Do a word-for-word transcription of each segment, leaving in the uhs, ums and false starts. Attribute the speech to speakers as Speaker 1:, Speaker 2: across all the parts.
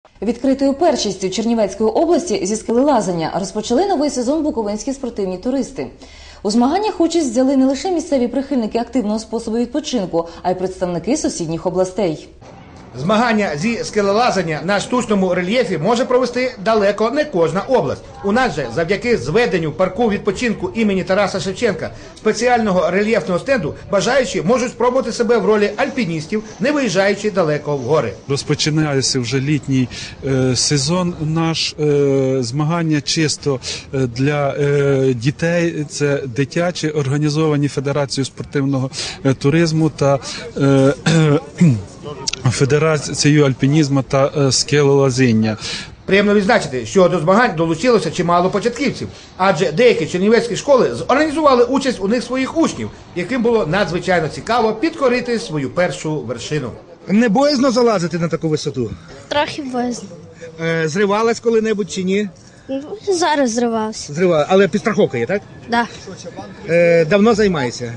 Speaker 1: Відкритою першістю Чернівецької області зі скелелазання розпочали новий сезон буковинські спортивні туристи. У змаганнях участь взяли не лише місцеві прихильники активного способу відпочинку, а й представники сусідніх областей.
Speaker 2: Змагання зі скелелазання на штучному рельєфі може провести далеко не кожна область. У нас же, завдяки зведенню парку відпочинку імені Тараса Шевченка, спеціального рельєфного стенду, бажаючі можуть спробувати себе в ролі альпіністів, не виїжджаючи далеко в гори.
Speaker 3: Розпочинається вже літній е, сезон наш, е, змагання чисто для е, дітей, це дитячі, організовані Федерацією спортивного е, туризму та е, е, Федерацією альпінізму та е, скелелазіння.
Speaker 2: Приємно відзначити, що до змагань долучилося чимало початківців, адже деякі чернівецькі школи зорганізували участь у них своїх учнів, яким було надзвичайно цікаво підкорити свою першу вершину.
Speaker 4: Не боязно залазити на таку висоту?
Speaker 5: Трохи боязно.
Speaker 4: Е, зривалась коли-небудь чи ні?
Speaker 5: Ну, зараз зривався.
Speaker 4: Зривалась, але підстраховка є, так?
Speaker 5: Да.
Speaker 4: Е, давно займаєшся?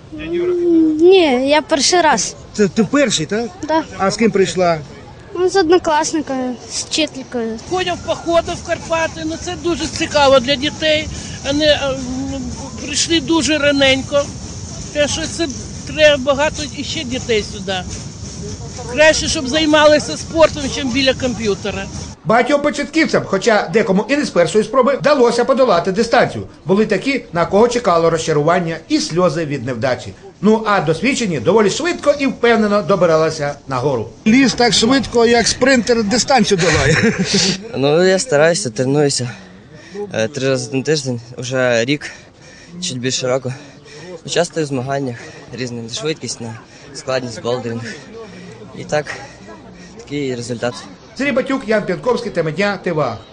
Speaker 5: Ні, я перший раз.
Speaker 4: Це ти перший, так?
Speaker 5: Да.
Speaker 4: А з ким прийшла?
Speaker 5: Ну, з однокласникою, з вчителькою.
Speaker 6: Ходять в походи в Карпати, ну це дуже цікаво для дітей. Вони е, прийшли дуже раненько. Те, що це треба багато іще дітей сюди. Краще, щоб займалися спортом, ніж біля комп'ютера.
Speaker 2: Багатьом початківцям, хоча декому і не з першої спроби, вдалося подолати дистанцію. Були такі, на кого чекало розчарування і сльози від невдачі. Ну а досвідчені доволі швидко і впевнено добиралися нагору.
Speaker 4: Ліз так швидко, як спринтер дистанцію долає.
Speaker 7: Ну, я стараюся, тренуюся три рази на тиждень, вже рік, чуть більше року. Участвую в змаганнях різних, швидкість, на складність, болдеринг. І так, такий результат.
Speaker 2: Сергій Батюк, Ян П'янковський, тема дня, ТВА.